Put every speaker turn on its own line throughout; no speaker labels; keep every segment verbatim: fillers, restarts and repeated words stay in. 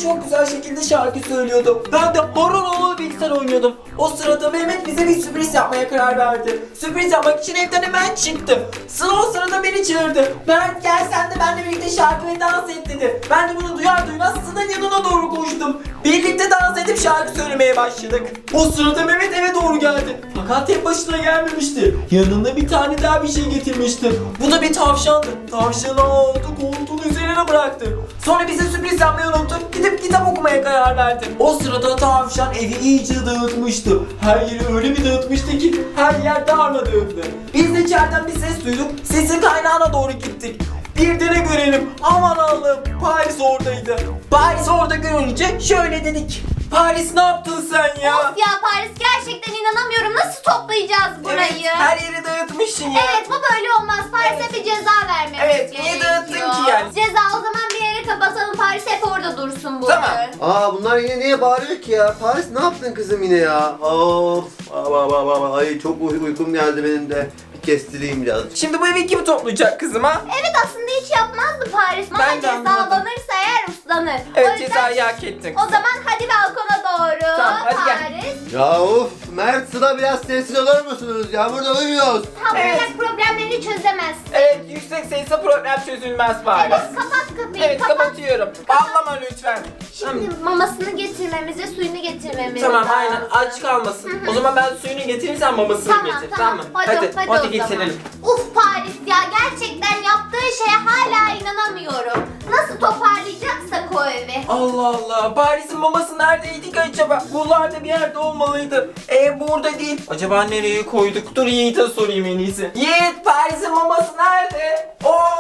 çok güzel şekilde şarkı söylüyordu. Ben de horon oğlu bilgisayar oynuyordum. O sırada Mehmet bize bir sürpriz yapmaya karar verdi. Sürpriz yapmak için evden hemen çıktı. Sıla o sırada beni çağırdı. Mert gel sen de benimle birlikte şarkı ve dans et dedi. Ben de bunu duyar duymaz Sıla'nın yanına doğru koştum. Birlikte dans edip şarkı söylemeye başladık. O sırada Mehmet eve doğru geldi. Fakat tek başına gelmemişti. Yanında bir tane daha bir şey getirmişti. Bu da bir tavşandı. Tavşanı aldı, koltuğun üzerine bıraktı. Sonra bize sürpriz yapmayı unuttu. Gidip kitap okumaya karar verdi. O sırada tavşan evi iyice dağıtmıştı. Her yeri öyle bir dağıtmıştı ki her yer darmadağındı. Biz de içeriden bir ses duyduk. Sesin kaynağına doğru gittik. Bir de ne görelim? Aman Allah'ım, Paris oradaydı. Paris orada görünce şöyle dedik. Paris ne yaptın sen ya?
Of ya Paris, gerçekten inanamıyorum. Nasıl toplayacağız burayı?
Evet, her yeri dağıtmışsın ya.
Evet, bu böyle olmaz. Paris'e
Evet.
bir ceza vermemiz
Evet,
gerekiyor.
niye dağıttın ki yani?
Ceza o zaman bir yere kapatalım. Paris hep orada dursun bu.
Tamam.
Aa bunlar yine niye bağırıyor ki ya? Paris ne yaptın kızım yine ya? Of. Aa, aa, aa, ay çok uy- uykum geldi benim de. Bir kestireyim biraz.
Şimdi bu evi kim toplayacak kızım ha?
Evet, aslında hiç yapmazdı Paris. Ama
Ben de anlamadım.
cezalanırsa eğer uslanır.
Evet,
O yüzden-
cezayı hak ettin.
O zaman hadi balkona doğru.
Tamam, hadi gel.
Paris.
Ya of Mert Sıla biraz sessiz olur musunuz ya? Burada uyuyoruz.
Tam
Evet.
olarak problemlerini çözemez.
Evet, yüksek sayısı problem çözülmez Paris.
Evet, kapat kapıyı.
Evet,
kapat.
kapatıyorum. Ağlama lütfen.
Şimdi mamasını getirmemiz ve suyunu getirmemiz
Tamam,
lazım.
aynen, aç kalmasın. O zaman ben suyunu getireyim, sen mamasını
Tamam,
getir.
tamam.
mı?
Hadi,
hadi,
hadi,
hadi
o
getirelim.
zaman. Uf Paris ya, gerçekten yaptığı şeye hala inanamıyorum. Nasıl toparlayacaksak o evi.
Allah Allah, Paris'in maması neredeydi ki acaba? Buralarda bir yerde olmalıydı. E burada değil. Acaba nereye koyduk? Dur Yiğit'e sorayım en iyisi. Yiğit, Paris'in maması nerede?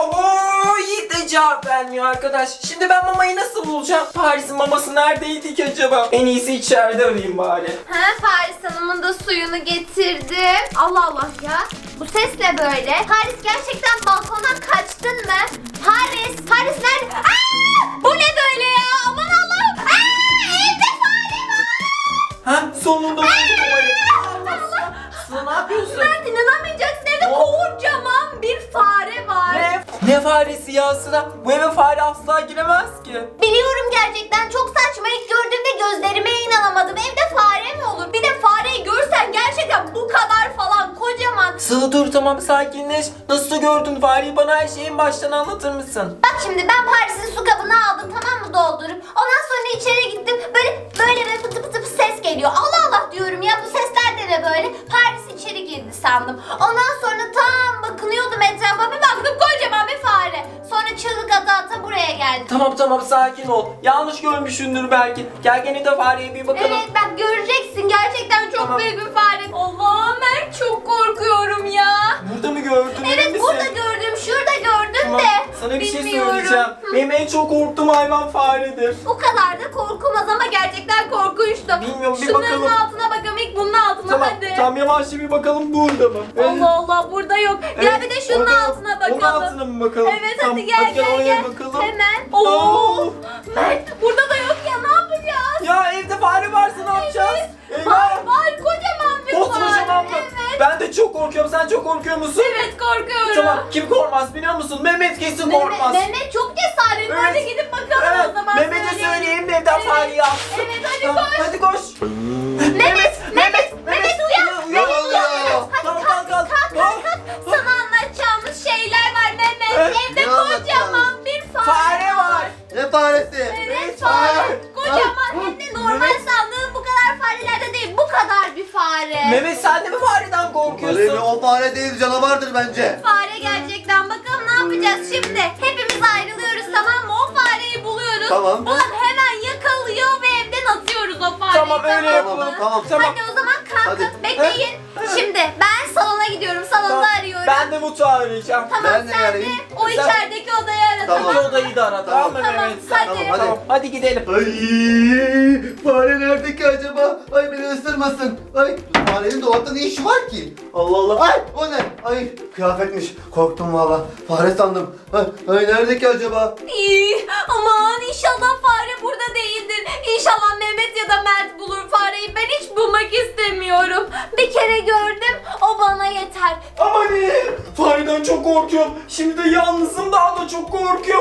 Oho, Yiğit de cevap vermiyor arkadaş. Şimdi ben mamayı nasıl bulacağım? Paris'in maması neredeydi ki acaba? En iyisi içeride arayayım bari.
Ha, Paris Hanım'ın da suyunu getirdim. Allah Allah ya. Bu ses ne böyle? Paris, gerçekten balkona kaçtın mı? Paris, Paris nerede? Aa! Bu ne böyle ya? Aman Allah'ım. Aa! Evde fare var.
Ha, sonunda buldum mamayı.
Allah.
Sıla, ne yapıyorsun?
Mert, inanamayacaksın, evde kocaman bir fare var.
Ne? Ne faresi ya Sıla? Bu eve fare asla giremez ki.
Biliyorum, gerçekten çok saçma. İlk gördüğümde gözlerime inanamadım. Evde fare mi olur? Bir de fareyi görsen gerçekten bu kadar falan kocaman.
Sıla dur, tamam, sakinleş. Nasıl gördün fareyi, bana her şeyi en baştan anlatır mısın?
Bak şimdi, ben Paris'in su kabını aldım, tamam mı, doldurup. Ondan sonra içeri gittim. Böyle böyle böyle pıtı pıtı pıtı ses geliyor. Allah Allah diyorum ya, bu sesler de ne böyle? Paris içeri girdi sandım. Ondan sonra tam bakınıyordum etrafa, bir baktım kocaman bir fare. Sonra çığlık ata ata buraya geldi.
Tamam tamam, sakin ol. Yanlış görmüşsündür belki. Gel gene de fareye bir bakalım.
Evet, bak göreceksin, gerçekten çok
Tamam.
büyük bir fare. Allah, ben çok korkuyorum ya.
Burada mı gördün? emin
Evet,
misin?
burada gördüm, şurada gördüm
Tamam,
de.
sana bir şey
bilmiyorum.
söyleyeceğim.
Hı.
Benim en çok korktuğum hayvan faredir.
O kadar da korkulmaz ama gerçekten korkunçtu.
Bilmiyorum, bir
Şunların
bakalım.
altına bakalım, ilk bunun altına
Tamam,
hadi.
tamam, yavaşça bir bakalım burada mı?
Allah Allah, burada yok. Gel
Evet,
bir de şunun
orada-
altına bakalım.
Onun altına mı bakalım?
Evet,
Tamam,
hadi gel
hadi gel,
gel
oraya
gel.
bakalım.
Hemen.
Oo.
Oo. Mert, burada da yok ya, ne yapacağız?
Ya evde fare varsa ne yapacağız? Eyvah!
Var var, kocaman bir
Koskocaman
fare.
mı?
Evet.
Ben de çok korkuyorum. Sen çok korkuyor musun?
Evet, korkuyorum.
Tamam, kim korkmaz biliyor musun? Mehmet kesin
Mehmet,
korkmaz.
Mehmet çok cesaretli.
Evet.
Hadi gidip bakalım
Evet,
o zaman.
Mehmet'e söyleyeyim de evden
Evet.
fareyi alsın.
Evet, hadi
Tamam,
koş.
hadi koş.
Mehmet, Mehmet, Mehmet uyan.
uyan,
Mehmet
uyan.
uyan. Hadi
Tamam,
kalk,
kalk,
kalk,
kalk.
kalk, kalk. Sana anlatacağımız şeyler var Mehmet.
Evet,
Evde
ne anlatacağız?
kocaman bir fare,
Fare var.
Ne faresi?
Evet, fare. Kocaman, hem de normal
Mehmet.
sandığın bu kadar farelerde değil. Bu kadar bir fare.
Mehmet, sen de mi fareden
Fare mi?
korkuyorsun?
O fare değil, canavardır bence.
Fare gerçekten. Bakalım ne yapacağız şimdi? Hepimiz ayrılıyoruz, tamam mı? O fareyi buluyoruz.
Tamam.
Bulup hemen yakalıyor ve evden atıyoruz o fareyi.
Tamam, öyle
mı?
yapalım.
Tamam,
tamam.
Hadi o zaman kalkın.
Hadi.
Bekleyin. Şimdi ben salona gidiyorum. Salonda
Tamam.
arıyorum.
Ben de mutfağı arayacağım.
Tamam,
Ben de
sen de
arayayım.
o
Sen-
içerideki odayı ara,
Tamam.
İki odayı da ara, tamam mı
Tamam,
Mehmet? Sen-
hadi.
Tamam, hadi.
Tamam, hadi gidelim.
Ay fare nerede ki acaba? Ay beni ısırmasın. Ay farenin dolapta ne işi var ki? Allah Allah. Ay o ne? Ay kıyafetmiş. Korktum valla. Fare sandım. Ay, ay nerede ki acaba?
İyi. Aman inşallah fare burada değildir. İnşallah Mehmet ya da Mert bulur fareyi. Ben hiç bulmak istemiyorum. Bir kere gördüm. O bana yeter.
Aman iyi. Fareden çok korkuyorum. Şimdi de yalnızım, daha da çok korkuyorum.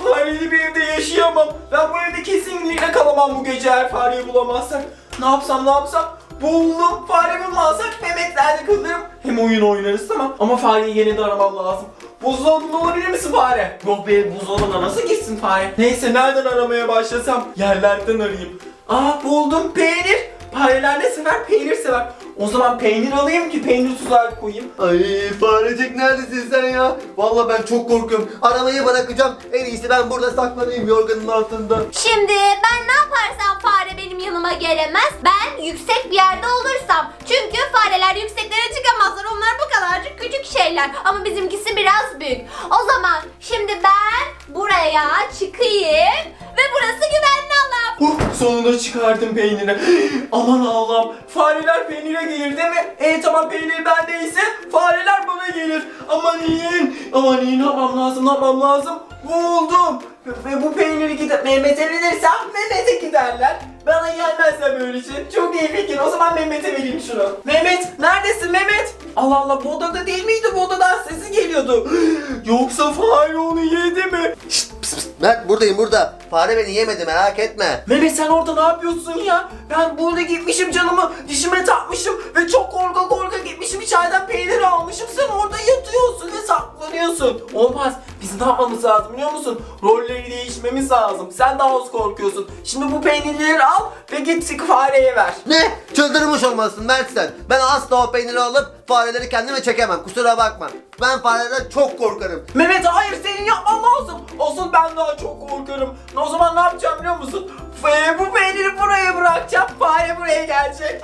fareli bir evde yaşayamam. Ben bu evde kesinlikle kalamam bu gece eğer fareyi bulamazsak. Ne yapsam ne yapsam? Buldum. Faremi bulmazsak Mehmetler'de kalırım. Hem oyun oynarız tamam. Ama fareyi yine de aramam lazım. Buzdolabında olabilir misin fare? Yok be, buzdolabına nasıl girsin fare? Neyse, nereden aramaya başlasam? Yerlerden arayayım. Aa, buldum. Peynir. Fareler ne sever? Peynir sever. O zaman peynir alayım ki peynir tuzağa koyayım.
Ay farecik neredesin sen ya? Vallahi ben çok korkuyorum. Arabayı bırakacağım. En iyisi ben burada saklanayım yorganın altında.
Şimdi ben ne yaparsam fare benim yanıma gelemez. Ben yüksek bir yerde olursam. Çünkü fareler yükseklere çıkamazlar. Onlar bu kadarcık küçük şeyler. Ama bizimkisi biraz büyük. O zaman şimdi ben buraya çıkayım. Ve burası güvenli alan.
Huh, sonunda çıkardım peyniri. Aman Allah'ım. Fareler peynire gelir değil mi? E tamam, peynir bendeyse fareler bana gelir. Aman iyi. Aman iyi, ne yapmam lazım, ne yapmam lazım? Buldum. Ve bu peyniri gidip Mehmet'e verirsem Mehmet'e giderler. Bana gelmezse böyle şey. Çok iyi fikir. O zaman Mehmet'e vereyim şunu. Mehmet, neredesin Mehmet? Allah Allah, bu odada değil miydi? Bu odadan sesi geliyordu. Yoksa fare onu yedi mi?
Şşt, pıs, pıs. Mert buradayım burada. Fare beni yemedi merak etme.
Mehmet, sen orada ne yapıyorsun ya? Ben burada gitmişim, canımı dişime takmışım ve çok korka korka gitmişim, içeriden peynir almışım. Sen orada yatıyorsun ve saklanıyorsun. Olmaz. Biz ne yapmamız lazım biliyor musun? Rolleri değişmemiz lazım. Sen daha az korkuyorsun. Şimdi bu peynirleri al ve git fareye ver.
Ne? Çıldırmış olmasın Mert sen. Ben asla o peyniri alıp fareleri kendime çekemem. Kusura bakma. Ben fareden çok korkarım.
Mehmet, hayır, senin yapman lazım. Asıl ben daha çok korkarım. O zaman ne yapacağım biliyor musun? F- bu peyniri buraya bırakacağım. Fare buraya gelecek.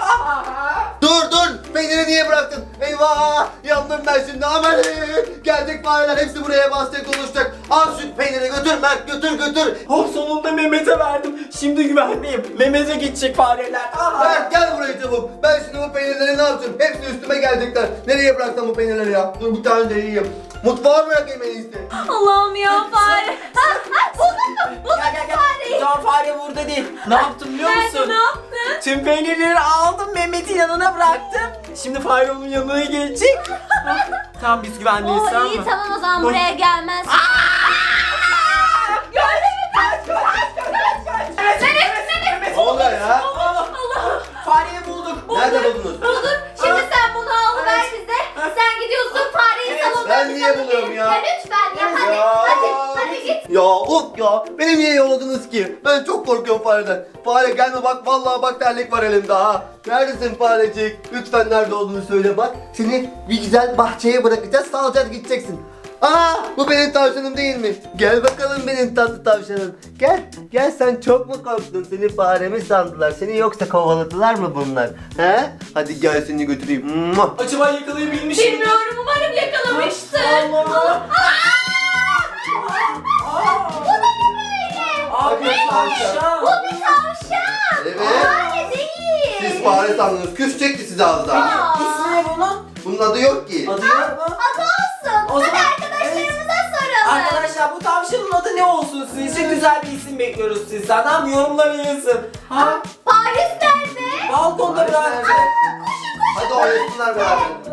Dur dur! Peyniri niye bıraktın? Eyvah! Yandım ben şimdi. Aman! Gelecek fareler hepsi buraya basacak oluşacak. Al şu peyniri götür Mert, götür götür.
Oh, sonunda Mehmet'e verdim. Şimdi güvenliyim. Mehmet'e gidecek fareler.
Mert gel buraya çabuk. Ben şimdi bu peynirleri ne yapacağım? Hepsi üstüme gelecekler. Nereye bıraktım bu peynirleri ya? Dur bir tane de yiyeyim. Mutfağa bırakayım en iyisi.
Allah'ım ya fare. Ha, ha, buldun mu? Buldun
Gel gel
mu
gel.
fareyi?
Can, fare burada değil. Ne yaptım biliyor
Nerede,
musun?
ne yaptın?
Tüm peynirleri aldım, Mehmet'in yanına bıraktım. Şimdi fare onun yanına gelecek. Tamam, biz güvendeyiz,
Oo,
tamam
iyi
mı?
tamam, o zaman buraya gelmez.
Gördün mü? Kaç kaç kaç kaç kaç.
Mehmet, Mehmet.
Ne oluyor ya?
Allah. Fareyi bulduk.
Nerede buldunuz?
Buldun. Şimdi sen bunu al ver bize. Sen gidiyorsun fareyi
Evet,
salonda.
ben niye buluyorum ya?
Ya lütfen ya, hadi,
Ya.
hadi, hadi git.
Ya of ya. Beni niye yolladınız ki? Ben çok korkuyorum fareden. Fare gelme bak, vallahi bak terlik var elimde ha. Neredesin farecik? Lütfen nerede olduğunu söyle bak. Seni bir güzel bahçeye bırakacağız, salacağız gideceksin. Aa, bu benim tavşanım değil mi? Gel bakalım benim tatlı tavşanım. Gel, gel, sen çok mu korktun? Seni fare mi sandılar? Seni yoksa kovaladılar mı bunlar? He? Hadi gel seni götüreyim. Muah.
Acaba yakalayabilmiş miyim?
Bilmiyorum, umarım yakalamıştır.
Allah.
Bu da ne böyle?
Abi, tavşan.
Bu bir tavşan.
Evet.
Fare değil.
Siz fare sandınız. Küs çekti sizi az daha.
Aa.
İsmi ne bunun?
Bunun adı yok ki.
Adı yok mu?
Adı olsun.
O
Hadi
zaman-
arkadaşlarımıza soralım.
Arkadaşlar, bu tavşanın adı ne olsun sizce? Güzel bir isim bekliyoruz sizden. Tamam, yorumlara yazın. Ha?
Paris nerede?
Balkonda
Paris
bıraktım.
nerede? Hadi oynasınlar beraber.